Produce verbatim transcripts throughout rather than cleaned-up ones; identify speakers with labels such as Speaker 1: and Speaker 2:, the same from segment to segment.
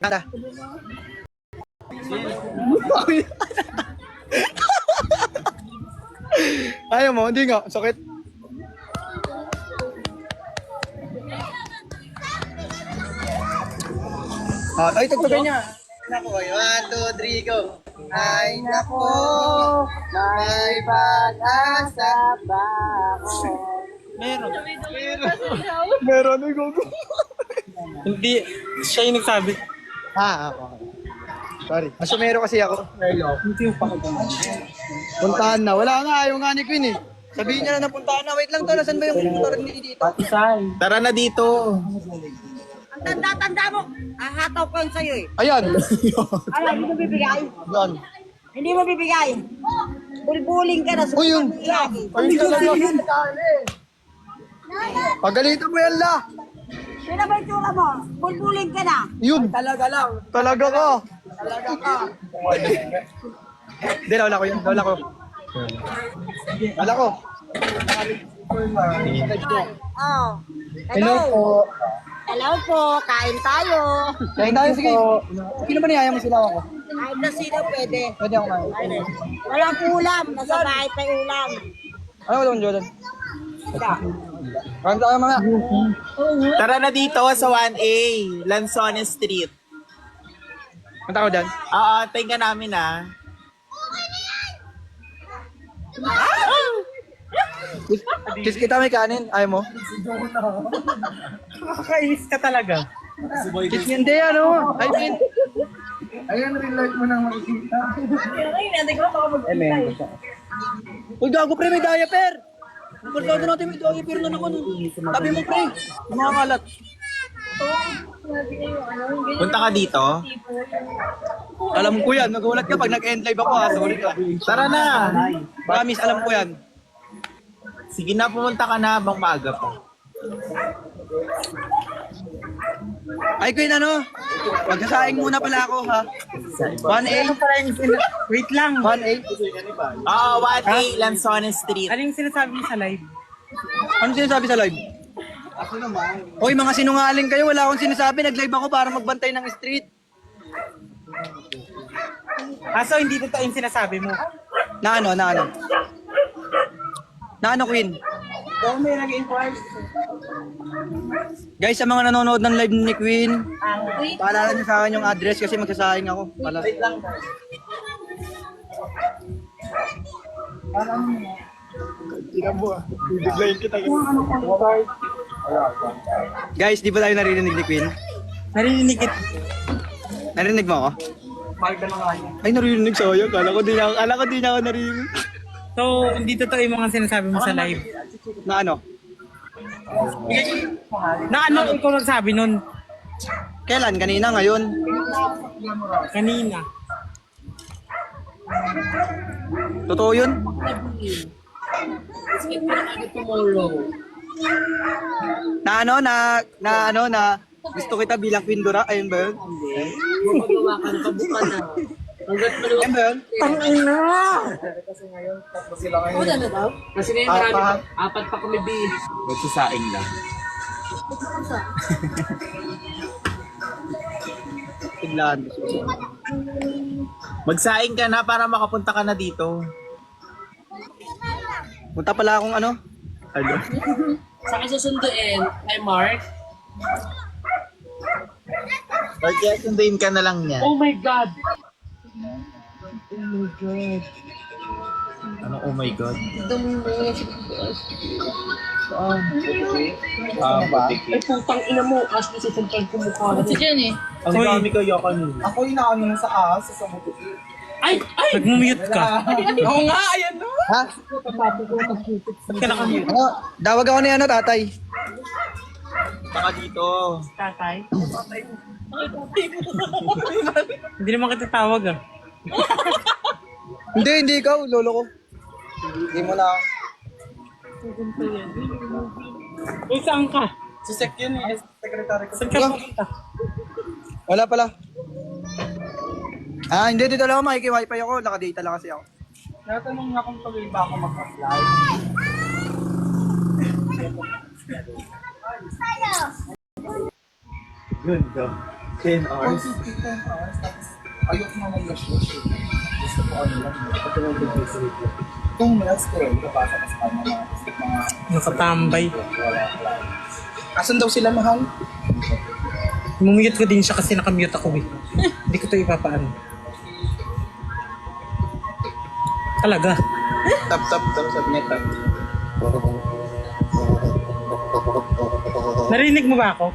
Speaker 1: Nada. Ayaw mo, hindi nga. Sakit. Ah, ay, tagtagan niya. Nako, one, two, three, go. Ay, nako, may pag-asa ba ako?
Speaker 2: Meron.
Speaker 1: Meron, ay, go, go.
Speaker 2: Hindi, siya yung nagsabi.
Speaker 1: Ah, ako. Sorry. Masumero kasi ako.
Speaker 2: Hindi yung pakagano.
Speaker 1: Puntahan na. Wala nga, ayaw nga ni Queen eh. Sabihin niya na napuntahan na. Wait lang to, nasan ba yung motor ni dito?
Speaker 2: Isay.
Speaker 3: Tara na dito.
Speaker 4: Ang tanda-tanda mo, ahataw ko yun sa'yo eh.
Speaker 1: Ayan.
Speaker 4: Ay, hindi mo bibigay.
Speaker 1: Yan.
Speaker 4: Hindi mo bibigay. Bulbuling ka na.
Speaker 1: Uy, yun.
Speaker 4: Lagi.
Speaker 1: Ayun talaga. Pagalitan mo yan la.
Speaker 4: Sino ba yung tsura mo? Bulbuling ka na.
Speaker 1: Yun. Talaga lang. Talaga ka. Talaga ka. Hindi, wala ko yun. Wala ko. Wala ko.
Speaker 4: Oh.
Speaker 1: Hello po.
Speaker 4: Hello po, kain tayo.
Speaker 1: Kain tayo, sige. Sino ba niyaya mo sila ako?
Speaker 4: Kahit na sino pwede.
Speaker 1: Pwede ako kain.
Speaker 4: Walang ulam, nasa bahay pa yung ulam.
Speaker 1: Ano ba yung Jordan? Kain tayo mga.
Speaker 3: Tara na dito sa one A, Lanzones Street.
Speaker 1: Punta ko dyan.
Speaker 3: Oo, tayo ka namin ah.
Speaker 1: Kiss kita may kanin. Ayaw mo?
Speaker 2: Nakakainis ka talaga.
Speaker 1: Kiss niya. Hindi, ano? I mean. Ayan, real life mo nang makikita. Eh, men. Uy, gago pre, may diaper. Ang kalsado natin may diaper na naman. Tabi mo pre. Kumakalat.
Speaker 3: Punta ka dito.
Speaker 1: Alam ko yan. Nagulat ka pag nag-end live ako ha. Sorry ka.
Speaker 3: Tara na.
Speaker 1: Promise, alam ko yan.
Speaker 3: Sige na, pumunta ka na habang maaga pa.
Speaker 1: Ay, Queen, ano? Magsasaing muna pala ako, ha? one A?
Speaker 2: Wait lang.
Speaker 1: one A?
Speaker 3: Oo, one A, Lanzones Street.
Speaker 2: Ano yung sinasabi mo sa live?
Speaker 1: Ano sinasabi sa live? Ako naman. Hoy, mga sinungaling kayo. Wala akong sinasabi. Nag-live ako para magbantay ng street.
Speaker 2: Ah, so hindi totoo yung sinasabi mo?
Speaker 1: Na ano, na ano? Na ano, Queen?
Speaker 2: Kung may nag-inquire.
Speaker 1: Guys, sa mga nanonood ng live ni Queen, paalala niyo sa akin yung address kasi magsasaing ako. Pala.
Speaker 3: Wait lang.
Speaker 1: Guys, di ba tayo narinig ni Queen?
Speaker 2: Narinig it.
Speaker 1: Narinig mo ako? Ay, narinig sayang. Kala ko di na, kala ko di na ako narinig.
Speaker 2: So, hindi totoo yung mga sinasabi mo sa live.
Speaker 1: Na ano?
Speaker 2: Na ano ikaw nagsabi nun?
Speaker 1: Kailan? Kanina? Ngayon?
Speaker 2: Kanina.
Speaker 1: Totoo yun? Na ano? Na, na ano? Na gusto kita bilang Queen Dora? Ayun ba yun? Ayun ba yun?
Speaker 5: Kasi ngayon marami pa, apat pa kami bi.
Speaker 3: Magsasaing lang.
Speaker 1: Tiglaan.
Speaker 3: Magsaing ka na para makapunta ka na dito.
Speaker 1: Punta pala akong ano?
Speaker 3: Ano?
Speaker 5: Sa akin susunduin, kay Mark.
Speaker 3: Or kaya sunduin ka na lang niya.
Speaker 5: Oh my God!
Speaker 3: Ano, oh my God?
Speaker 5: Ito mo na
Speaker 3: Ah,
Speaker 5: Ay, putang ina mo. Ashley, sisentral ko mukha. Kasi dyan eh.
Speaker 3: ang dami kaya kanina.
Speaker 1: Ako yung nakano sa ahas sa samuti.
Speaker 5: Ay! Ay!
Speaker 2: Nag-mute ka.
Speaker 5: Oo nga, ayan no!
Speaker 1: Ha?
Speaker 2: Ba't ka nakamute?
Speaker 1: Ano? Dawag ako ni ano, tatay.
Speaker 3: Saka dito.
Speaker 2: Tatay? Hindi naman kita tawag ah.
Speaker 1: Hindi, hindi ikaw, lolo ko. Hindi mo na.
Speaker 2: Uy, saan ka?
Speaker 1: Si Sek yun eh, secretary ko.
Speaker 2: Saan ka pupunta?
Speaker 1: Wala pala. Ah, hindi, dito lang ako, makiki-wifi ako. Nakadata lang kasi ako. Natanong nga kung tuloy ba ako mag-apply. Yun, go.
Speaker 3: ten hours.
Speaker 6: Ayoko na mag-rush-rush eh. Gusto ko ano lang. Ito yung big-big Kung minutes ko rin, kapasa ka sa kanya mga
Speaker 2: Nakatambay.
Speaker 6: Asan daw sila, mahal?
Speaker 2: Mumute ko din siya kasi nakamute ako eh. Hindi ko ito ipapaan. Talaga.
Speaker 6: Tap, tap, tap, sabi niya tap.
Speaker 2: Narinig mo ba ako?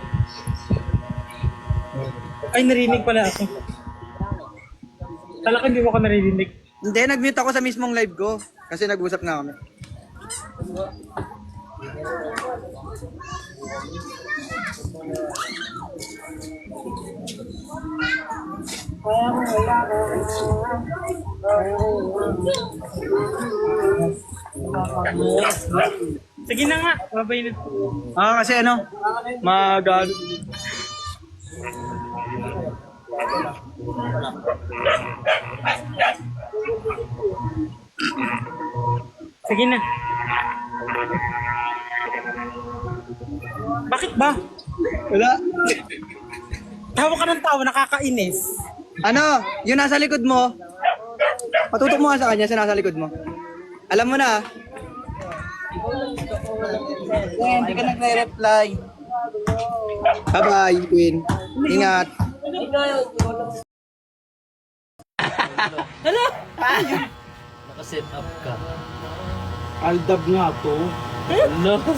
Speaker 2: Ay, narinig pala ako. Kala ko hindi mo ako narinig.
Speaker 1: Hindi, nag-mute ako sa mismong live ko. Kasi nag-usap nga kami.
Speaker 2: Sige na nga, babay na.
Speaker 1: Ah, kasi ano? Mag...
Speaker 2: Sige na. Bakit ba?
Speaker 1: Wala.
Speaker 2: Tawa ka ng tawa, nakakainis.
Speaker 1: Ano? Yung nasa likod mo. Patutok mo nga sa kanya sa nasa likod mo. Alam mo na.
Speaker 3: Eh, hindi ka nagre-reply.
Speaker 1: Bye-bye, Queen. Ingat.
Speaker 5: Nakaset up ka.
Speaker 3: Aldab nga to.
Speaker 5: Hello?